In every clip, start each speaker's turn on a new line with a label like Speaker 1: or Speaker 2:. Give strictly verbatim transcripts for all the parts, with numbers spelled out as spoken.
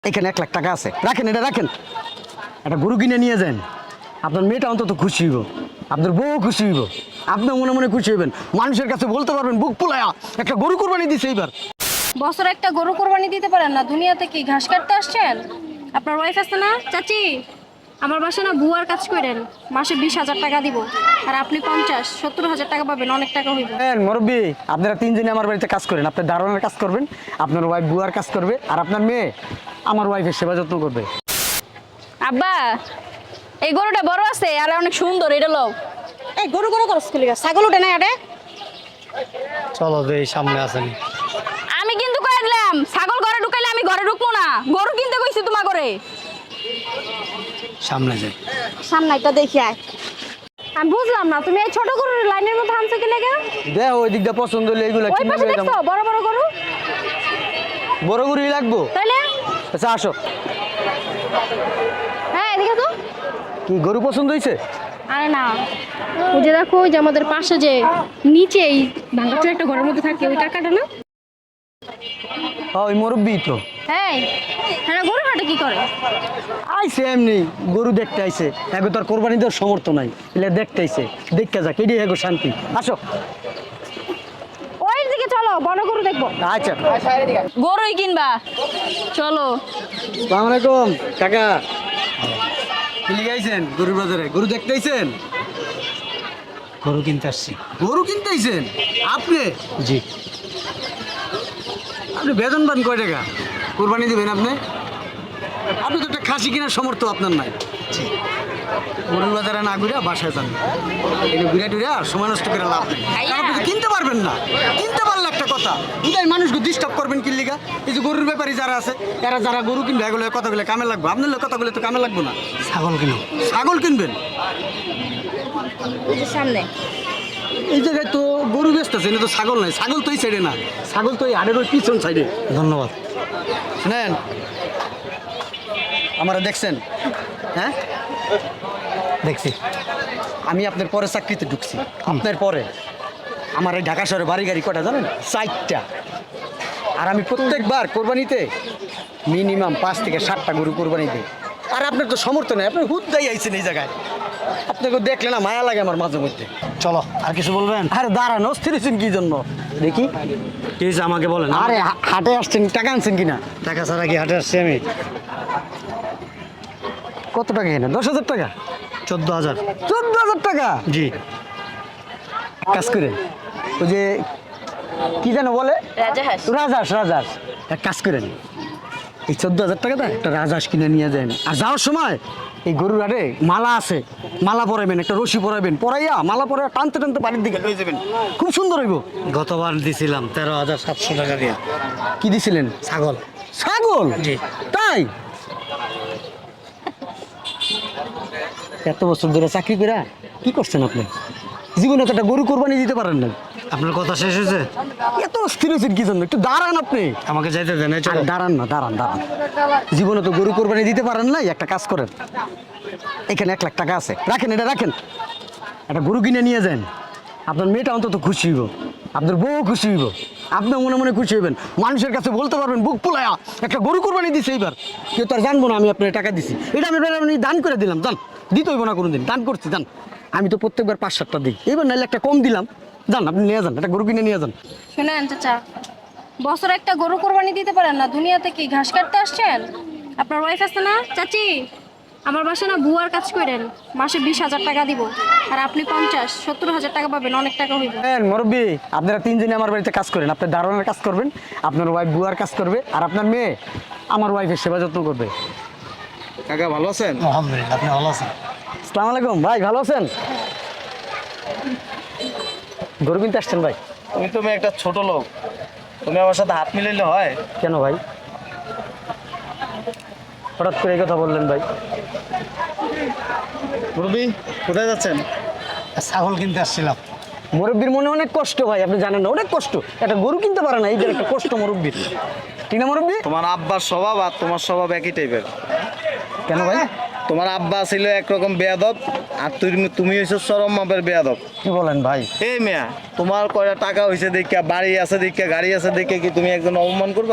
Speaker 1: এখানে এক লাখ টাকা আছে, রাখেন, এটা রাখেন। একটা গরু কিনে নিয়ে যান, আপনার মেয়েটা অন্তত খুশি হইব, আপনার বউ খুশি হইব, আপনিও মনে মনে খুশি হইবেন, মানুষের কাছে বলতে পারবেন বুক ফুলায়া একটা গরু কোরবানি দিছে এইবার।
Speaker 2: বছর একটা গরু কোরবানি দিতে পারেন না? দুনিয়াতে কি ঘাস কাটতে আসছেন? আপনার ওয়াইফ আছে না? চাচি, আমার বাসা না বুয়ার কাজ করেন, মাসে বিশ হাজার টাকা দিব, আর আপনি পঞ্চাশ সত্তর হাজার টাকা পাবেন, অনেক টাকা হইব।
Speaker 1: হ্যাঁ মুরব্বী, আপনারা তিনজনে আমার বাড়িতে কাজ করেন, আপনার দারোয়ানের কাজ করবেন, আপনার ওয়াইফ বুয়ার কাজ করবে, আর আপনার মেয়ে আমার ওয়াইফের সেবা যত্ন করবে।
Speaker 2: আব্বা, এই গরুটা বড় আছে আর অনেক সুন্দর, এটা লও। এই গরু গরু করছ কি লাগা? ছাগল ওঠে না আরে?
Speaker 3: চলো দেই, সামনে আসেন।
Speaker 2: আমি কিন্তু কই দিলাম, ছাগল ঘরে ঢুকাইলে আমি ঘরে ঢুকবো না। গরু কিনতে কইছি তোমার ঘরে।
Speaker 3: সামনে যাই।
Speaker 2: সামনে একটা দেখি আয়। আমি বুঝলাম না, তুমি এই ছোট গরুর লাইনের মধ্যে আনছো কি লাগা?
Speaker 1: দেখ ওই দিকটা পছন্দ হলে এইগুলো
Speaker 2: ওই
Speaker 1: কিনে
Speaker 2: পাশে
Speaker 1: নিয়ে যাবো।
Speaker 2: দেখছো বড় বড় গরু?
Speaker 1: বড় গরুই লাগবো?
Speaker 2: তাইলে
Speaker 1: আচ্ছা আসো।
Speaker 2: হ্যাঁ এদিকে তো।
Speaker 1: কি গরু পছন্দ হয়েছে?
Speaker 2: আরে না, ওই যে দেখো, ওই যে আমাদের পাশে যে নিচে এই ভাঙাচোর একটা ঘরের মধ্যে থাকে, ওই কাকাটা না?
Speaker 1: হ্যাঁ ওই মুরব্বী তো।
Speaker 2: হ্যাঁ হ্যাঁ, গরু হাটে কি করে?
Speaker 1: আইসে এমনি গরু দেখতে আইসে, এখন তার কোরবানি দেওয়ার সমর্থ নাই, এলে দেখতে আইসে, দেখতে যাক, এটাই এগো শান্তি। আসো।
Speaker 2: ওই দিকে চলো, বড় গরু দেখবো।
Speaker 1: আচ্ছা।
Speaker 2: গরুই কিনবা, চলো।
Speaker 1: আসসালামু আলাইকুম কাকা। কি লিগে আইছেন গরুর বাজারে? গরু দেখতে আইছেন?
Speaker 3: গরু কিনতে আসছি।
Speaker 1: গরু কিনতে আইছেন আপনি?
Speaker 3: জি।
Speaker 1: আপনি বেতন পান কয় টাকা? কোরবানি দিবেন আপনি? আপনি তো একটা খাসি কেনার সমর্থ আপনার নাই।
Speaker 3: জি।
Speaker 1: গরুর বাজারে না ঘুরে বাসায় যান, এগুলো ঘুরে টুরে আর সময় নষ্ট করে লাভ নেই, কারণ আপনি তো কিনতে পারবেন না। কিনতে পারলে একটা কথা, বুঝাই মানুষকে ডিস্টার্ব করবেন কি লিগা? এই যে গরুর ব্যাপারী যারা আছে, এরা যারা গরু কিনবে এগুলো কথাগুলো কামে লাগবে, আপনার লোক কথাগুলো তো কামে লাগবে না।
Speaker 3: ছাগল কিনো।
Speaker 1: ছাগল কিনবেন?
Speaker 2: এই যে সামনে।
Speaker 1: এই জায়গায় তো গরু বেচতেছে, এটা তো ছাগল নাই। ছাগল তো এই সাইডে না, ছাগল তো এই হাড়ের ওই পিছন সাইডে।
Speaker 3: ধন্যবাদ।
Speaker 1: শুনেন, আমারা দেখছেন? হ্যাঁ
Speaker 3: দেখছি।
Speaker 1: আমি আপনার পরে চাকরিতে ঢুকছি, আপনার পরে আমার এই ঢাকা শহরে বাড়ি গাড়ি কটা জানেন? চারটা। আর আমি প্রত্যেকবার কোরবানিতে মিনিমাম পাঁচ থেকে সাতটা গরু কোরবানি দিই। আর আপনার তো সমর্থন নেই, আপনি হুদ্দাই আইছেন এই জায়গায়, আপনাকে দেখলে না মায়া লাগে আমার মাঝে মধ্যে।
Speaker 3: চলো, আর কিছু বলবেন?
Speaker 1: আরে দাঁড়ান, অস্থির হয়েছেন কি জন্য দেখি?
Speaker 3: কি হয়েছে আমাকে বলেন।
Speaker 1: আরে হা- হাটে আসছেন, টাকা আনছেন কিনা?
Speaker 3: টাকা ছাড়া কি হাটে আসছি আমি?
Speaker 1: কত টাকা এনে? দশ হাজার টাকা?
Speaker 3: চোদ্দ হাজার।
Speaker 1: চোদ্দ হাজার টাকা?
Speaker 3: জি।
Speaker 1: কাজ করে ওই যে কি যেন বলে,
Speaker 2: রাজাহাঁস।
Speaker 1: রাজহাঁস, রাজহাঁস এক কাজ করেন, এই চোদ্দ হাজার টাকাটা একটা রাজহাঁস কিনে নিয়ে যান। আর যাওয়ার সময় এই গরুর আরে মালা আছে, মালা পরাবেন, একটা রশি পরাবেন, পরাইয়া মালা পরে টানতে টানতে বাড়ির দিকে লয়ে যাবেন, খুব সুন্দর হইব।
Speaker 3: গতবার দিছিলাম তেরো হাজার সাতশো টাকা দিয়ে।
Speaker 1: কি দিছিলেন?
Speaker 3: ছাগল।
Speaker 1: ছাগল?
Speaker 3: জি।
Speaker 1: তাই? এত বছর ধরে চাকরি করে কি করছেন আপনি? জীবনে তো একটা গরু কোরবানি দিতে পারেন না।
Speaker 3: আপনার কথা শেষ হয়েছে?
Speaker 1: এত স্থির হয়েছেন কি জন্য? একটু দাঁড়ান আপনি।
Speaker 3: আমাকে যাইতে দেন। এই চলো।
Speaker 1: আরে দাঁড়ান না, দাঁড়ান দাঁড়ান। জীবনে তো গরু কোরবানি দিতে পারেন নাই, একটা কাজ করেন, এখানে এক লাখ টাকা আছে, রাখেন, এটা রাখেন। একটা গরু কিনে নিয়ে যান, আপনার মেয়েটা অন্তত খুশি হইব, আপনার বউ খুশি হইব, আপনিও মনে মনে খুশি হইবেন, মানুষের কাছে বলতে পারবেন বুক ফুলায়া একটা গরু কোরবানি দিছে এইবার। কেউ তো আর জানবো না আমি আপনার টাকা দিছি, এটা আমি আমি দান করে দিলাম, জান দিতে হইব না কোনোদিন, দান করছি জান। আমি তো প্রত্যেকবার পাঁচ সাতটা দিই, এবার নাইলে একটা কম দিলাম, যান আপনি নিয়ে যান, একটা গরু কিনে নিয়ে যান।
Speaker 2: শুনেন চাচা, বছর একটা গরু কোরবানি দিতে পারেন না? দুনিয়াতে কি ঘাস কাটতে আসছেন? আপনার ওয়াইফ আছে না? চাচি, আমার বাসা না বুয়ার কাজ করেন, মাসে বিশ হাজার টাকা দিব, আর আপনি পঞ্চাশ সত্তর হাজার টাকা পাবেন, অনেক টাকা হইব।
Speaker 1: হ্যাঁ মুরব্বী, আপনারা তিনজনে আমার বাড়িতে কাজ করেন, আপনার দারোয়ানের কাজ করবেন, আপনার ওয়াইফ বুয়ার কাজ করবে, আর আপনার মেয়ে আমার ওয়াইফের সেবা যত্ন করবে।
Speaker 4: কাকা ভালো আছেন?
Speaker 3: আলহামদুলিল্লাহ। আপনি ভালো আছেন?
Speaker 1: আসসালামু আলাইকুম ভাই, ভালো আছেন? গরু কিনতে আসছেন ভাই?
Speaker 4: তুমি তুমি একটা ছোট লোক, তুমি আমার সাথে হাত মিলাইলে হয়?
Speaker 1: কেন ভাই, হঠাৎ করে এই কথা বললেন ভাই?
Speaker 4: মুরব্বি কোথায় যাচ্ছেন?
Speaker 3: ছাগল কিনতে আসছিলাম।
Speaker 1: মুরব্বীর মনে অনেক কষ্ট ভাই, আপনি জানেন না, অনেক কষ্ট, একটা গরু কিনতে পারে না, এই যে একটা কষ্ট মুরব্বীর, ঠিক না মুরব্বী?
Speaker 4: তোমার আব্বার স্বভাব আর তোমার স্বভাব একই টাইপের।
Speaker 1: কেন ভাই?
Speaker 4: তোমার আব্বা ছিল একরকম বেয়াদব, আর তুমি তুমি হয়েছো চরম মাপের বেয়াদব।
Speaker 1: কি বলেন ভাই?
Speaker 4: এই মেয়া, তোমার কয়টা টাকা হয়েছে দেখে, বাড়ি আছে দেখে, গাড়ি আছে দেখে কি তুমি একজন অপমান করবা?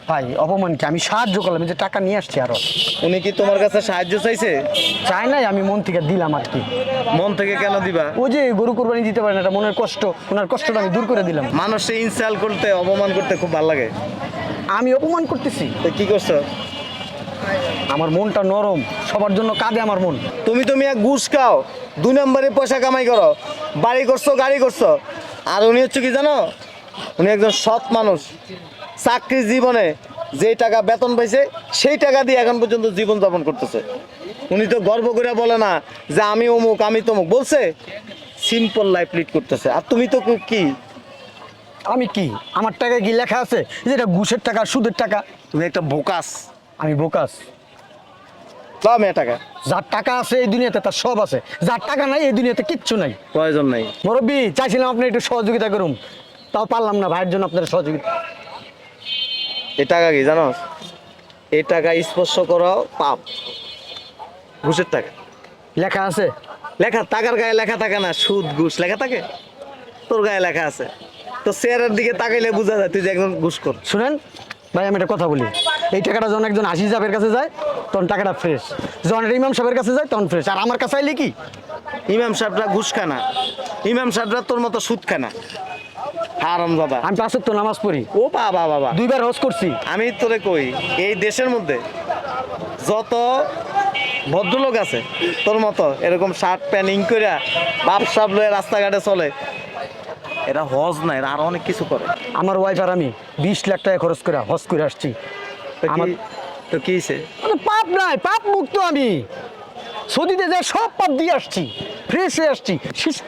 Speaker 1: ভাই অপমান কি, আমি সাহায্য করলাম, এই যে টাকা নিয়ে আসছি আরো।
Speaker 4: উনি কি তোমার কাছে সাহায্য চাইছে?
Speaker 1: চাই নাই, আমি মন থেকে দিলাম আর কি।
Speaker 4: মন থেকে কেন দিবা?
Speaker 1: ওই যে গরু কোরবানি দিতে পারেন, এটা মনের কষ্ট, ওনার কষ্টটা আমি দূর করে দিলাম।
Speaker 4: মানুষে ইনসাল্ট করতে, অপমান করতে খুব ভালো লাগে।
Speaker 1: আমি অপমান করতেছি?
Speaker 4: তো কি করছো?
Speaker 1: আমার মনটা নরম, সবার জন্য কাঁদে আমার মন।
Speaker 4: তুমি তুমি এক ঘুষ খাও, দুই নম্বরে পয়সা কামাই করো, বাড়ি করছো, গাড়ি করছো। আর উনি হচ্ছে কি জানো, উনি একজন সৎ মানুষ। চাকরি জীবনে যেই টাকা বেতন পাইছে সেই টাকা দিয়ে এখন পর্যন্ত জীবন যাপন করতেছে। উনি তো গর্ব করে বলে না যে আমি অমুক আমি তমুক, বলছে সিম্পল লাইফ লিড করতেছে। আর তুমি তো কি,
Speaker 1: আমি কি, আমার টাকায় কি লেখা আছে যে এটা ঘুষের টাকা, সুদের টাকা?
Speaker 4: তুমি একটা বোকাস।
Speaker 1: আমি বোকাস?
Speaker 4: দাও মেয়ে টাকা।
Speaker 1: যার টাকা আছে এই দুনিয়াতে তার সব আছে, যার টাকা নাই এই দুনিয়াতে কিচ্ছু নাই।
Speaker 4: প্রয়োজন নাই।
Speaker 1: মুরব্বি, চাইছিলাম আপনি একটু সহযোগিতা করুন, তাও পারলাম না ভাইয়ের জন্য আপনার সহযোগিতা।
Speaker 4: এই টাকা কি জানো, এই টাকা স্পর্শ করাও পাপ। ঘুষের টাকা
Speaker 1: লেখা আছে?
Speaker 4: লেখা, টাকার গায়ে লেখা থাকে না সুদ ঘুষ লেখা থাকে? তোর গায়ে লেখা আছে, তো চেয়ারের দিকে তাকাইলে বোঝা যায় তুই যে একজন ঘুষখোর।
Speaker 1: শুনেন ভাই, আমি একটা কথা বলি, এই টাকাটা যখন একজন হাসি সাহেবের কাছে যায় তখন টাকাটা ফ্রেশ, যখন এটা ইমাম সাহেবের কাছে যায় তখন ফ্রেশ, আর আমার কাছে আইলে কি?
Speaker 4: ইমাম সাহেবরা ঘুষ খানা, ইমাম সাহেবরা তোর মতো সুদ খানা। হারাম বাবা।
Speaker 1: আমি পাঁচ ওয়াক্ত নামাজ পড়ি,
Speaker 4: ও বাবা বাবা,
Speaker 1: দুইবার হজ করছি।
Speaker 4: আমি তোরে কই, এই দেশের মধ্যে যত ভদ্রলোক আছে তোর মতো এরকম শার্ট প্যান্ট ইং করে বাপ সাপ লয়ে রাস্তাঘাটে চলে, এরা হজ না, এরা আরো অনেক কিছু করে।
Speaker 1: আমার ওয়াইফ আর আমি বিশ লাখ টাকা খরচ করে হজ করে আসছি।
Speaker 4: তো কি-
Speaker 1: আমার-
Speaker 4: তো কি হইছে?
Speaker 1: মানে পাপ নাই, পাপ মুক্ত আমি। সৌদিতে যাই সব পাপ দিয়ে আসছি, ফ্রেশ হয়ে আসছি। শিস-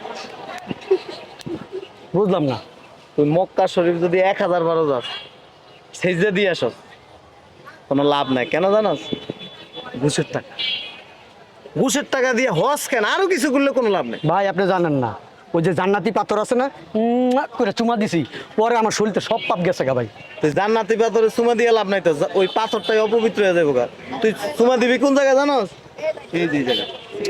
Speaker 1: বুঝলাম না।
Speaker 4: তুই মক্কা শরীফ যদি এক হাজার বারো যাস, সেজদা দিয়ে আসস, কোনো লাভ নাই। কেন জানাস? ঘুষের টাকা। ঘুষের টাকা দিয়ে হজ কেন, আরো কিছু করলে কোনো লাভ নেই।
Speaker 1: ভাই আপনি জানেন না, ওই যে জান্নাতি পাথর আছে না, উম্মা করে চুমা দিছি, পরে আমার শরীরতে সব পাপ গেছে গা ভাই।
Speaker 4: তুই জান্নাতি পাথরে চুমা দিয়ে লাভ নাই তো, যা- ওই পাথরটাই অপবিত্র হয়ে যাবো গা। তুই চুমা দিবি কোন জায়গায় জানোস? এই যে এই জায়গা,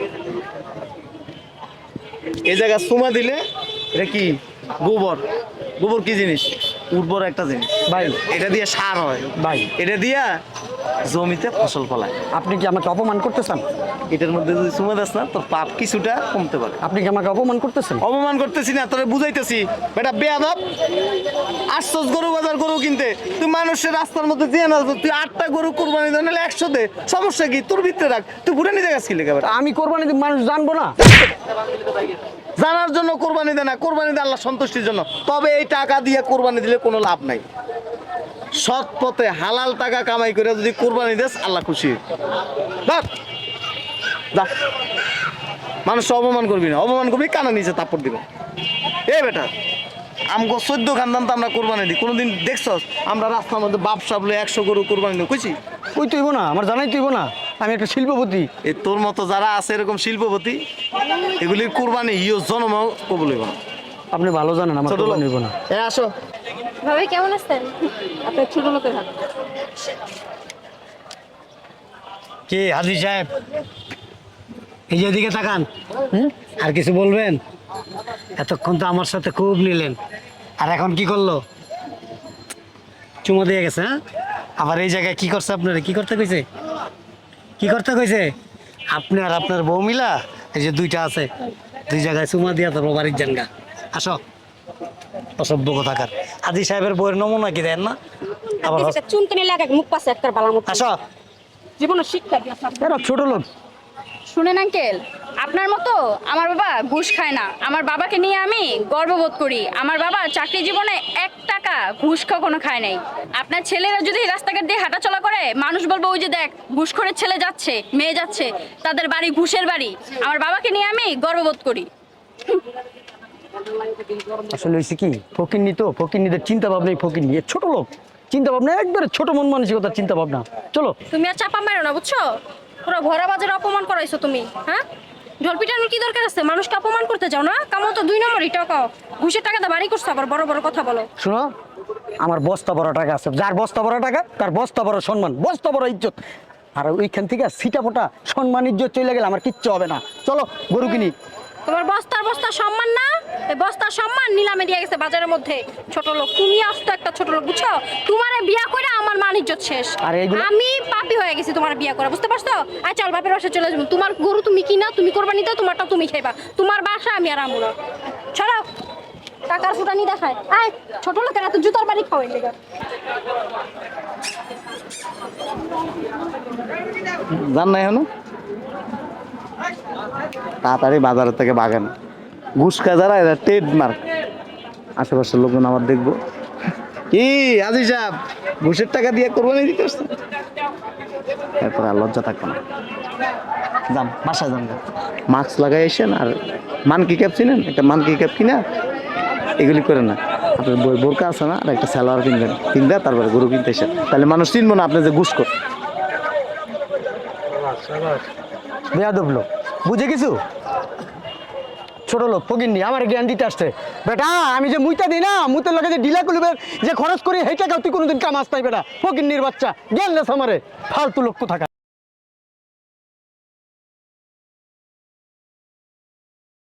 Speaker 4: এই জায়গা চুমা দিলে এটা কি, গোবর। গোবর কি জিনিস? উর্বর একটা জিনিস
Speaker 1: ভাই
Speaker 4: এটা দিয়ে সার হয়
Speaker 1: ভাই
Speaker 4: এটা দিয়া জমিতে ফসল ফলায়।
Speaker 1: আপনি কি আমাকে অপমান করতেছেন?
Speaker 4: এটার মধ্যে যদি চুমা দাস না, তোর পাপ কিছুটা কমতে পারে।
Speaker 1: আপনি কি আমাকে অপমান করতেছেন?
Speaker 4: অপমান করতেছি না, তোরে বুঝাইতেছি। বেটা বেয়াদব, আসছস গরু বাজার গরু কিনতে, তুই মানুষের রাস্তার মধ্যে দিয়ে না, তুই আটটা গরু কোরবানি দেন, নাহলে একশো দে, সমস্যা কি? তোর ভিতরে রাখ, তুই ঘুরে নিতে গেছিস লেগে। বেটা
Speaker 1: আমি কোরবানি দিব, মানুষ জানবো না?
Speaker 4: জানার জন্য কোরবানি দে না, কোরবানি দে আল্লাহ সন্তুষ্টির জন্য। তবে এই টাকা দিয়ে কোরবানি দিলে কোনো লাভ নাই। সৎ পথে হালাল টাকা কামাই করে যদি কোরবানি দেস, আল্লাহ খুশি। বাস, যা। মানুষ অপমান করবি না, অপমান করবি কানা নিচে তাপড় দিবে। এ বেটা, আমগো চোদ্দ খানদান তো আমরা কোরবানি দিই, কোনোদিন দেখছস আমরা রাস্তার মধ্যে বাপ সাবলে একশো গরু কোরবানি দিই? কইছি?
Speaker 1: ওই তুইব না, আমার জানাই তুইব না, আমি একটা শিল্পপতি।
Speaker 4: এই তোর মতো যারা আছে এরকম শিল্পপতি, এগুলির কোরবানি ইয় জন্ম কবুল হইব না।
Speaker 1: আপনি ভালো জানেন আমার
Speaker 4: ছোট লোক।
Speaker 1: কোরবানি হইব না।
Speaker 4: এ আসো।
Speaker 2: ভাবি কেমন আছেন? আপনার ছোট লোকের হাত।
Speaker 3: কি হাজি সাহেব, এই যে এদিকে তাকান। হুম? আর কিছু বলবেন? এতক্ষণ তো আমার সাথে খুব নিলেন, আর এখন কি করলো? চুমো দিয়ে গেছে। হ্যাঁ, আবার এই জায়গায় কি করছে? আপনারা কি করতে কইছে? কি করতে কইছে? আপনি আর আপনার বউ মিলা এই যে দুইটা আছে, দুই জায়গায় চুমা দিয়া তারপর বাড়ির জানগা। আসো, অসভ্য কথাকার। হাজি সাহেবের বউয়ের নমুনা কি দেন না? আবার হস-
Speaker 2: চুনকানি লাগে মুখ পাশে একটা বালার মতো।
Speaker 3: আসো।
Speaker 2: জীবনে শিক্ষা দিয়েছে আপনার।
Speaker 1: এরা ছোট লোক।
Speaker 5: শুনেন আঙ্কেল, আপনার মতো আমার বাবা ঘুষ খায় না। আমার বাবাকে নিয়ে আমি গর্ববোধ করি। আমার বাবা চাকরি জীবনে এক টাকা ঘুষ কখনো খায় নাই। আপনার ছেলেরা যদি রাস্তাঘাট দিয়ে হাঁটাচলা করে, মানুষ বলবো ওই যে দেখ ঘুষখোরের ছেলে যাচ্ছে, মেয়ে যাচ্ছে, তাদের বাড়ি ঘুষের বাড়ি। আমার বাবাকে নিয়ে আমি গর্ববোধ করি।
Speaker 1: আসলে হয়েছে কি, ফকিন্নি তো, ফকিন্নিদের চিন্তা ভাবনাই ফকিন্নি। এ ছোট লোক, চিন্তা ভাবনা একবারে ছোট মন মানসিকতার চিন্তা ভাবনা। চলো।
Speaker 2: তুমি আর চাপা মেরো না, বুঝছো? পুরো ভরা বাজারে অপমান করাইছো তুমি। হ্যাঁ, জলপিটানোর কি দরকার আছে? মানুষকে অপমান করতে যাও না? কামো তো দুই নম্বরই টাকা, ঘুষের টাকা বাড়ি করছো, আবার বড় বড় কথা বলো।
Speaker 1: শোনো, আমার বস্তা বড় টাকা আছে, যার বস্তা বড় টাকা তার বস্তা বড় সম্মান, বস্তা বড় ইজ্জত। আর ওইখান থেকে সিটা ফোটা সম্মান ইজ্জত চলে গেলে আমার কিচ্ছু হবে না। চলো গরু কিনি।
Speaker 2: তোমার বস্তার বস্তা সম্মান না, এই বস্তার সম্মান নিলামে দিয়ে গেছে বাজারের মধ্যে। ছোট লোক তুমি, আসতো একটা ছোট লোক, বুঝছো? তোমারে বিয়া করে আমার মান ইজ্জত শেষ।
Speaker 1: আর এগুলো-
Speaker 2: আমি পাপী হয়ে গেছি তোমার বিয়া করে, বুঝতে পারছো? আয় চল বাপের বাসায় চলে যাবো। তোমার গরু তুমি কিনা, তুমি কোরবানি দাও, তোমারটা তুমি খাইবা। তোমার বাসা আমি আর আমু না। চলো, টাকার ফুটানি দেখায়। আয় ছোট লোকের এত জুতার বাড়ি খাওয়াই লেগে।
Speaker 4: জান না এখনো তাড়াতাড়ি বাজারের থেকে বাগান ঘুষ খায় যারা এরা ট্রেডমার্ক। আশেপাশের লোকজন আবার দেখবো কি আজি সাহেব ঘুষের টাকা দিয়ে কোরবানি দিতে আসছে, এরপর আর লজ্জা থাকবে না। যান বাসায় যান, মাস্ক লাগাই এসেন আর মানকি ক্যাপ চিনেন, একটা মানকি ক্যাপ কিনা এগুলি করে না, আপনার বই বোরকা আছে না, আর একটা সালোয়ার কিনবেন, কিনবে তারপরে গরু কিনতে এসেন, তাহলে মানুষ চিনবো না আপনি যে ঘুষ কর।
Speaker 1: বেয়াদব লোক, বুঝে কিছু? ছোট লোক ফকিন্নি আমার জ্ঞান দিতে আসছে। বেটা আমি যে মুইতা দিই না, মুতের লগে যে ডিলা কুলিবের যে খরচ করি, সেই টাকা তুই কোনোদিন কামাস নাই বেটা, ফকিন্নির বাচ্চা, জ্ঞান দেশ আমারে, ফালতু লোক থাকা।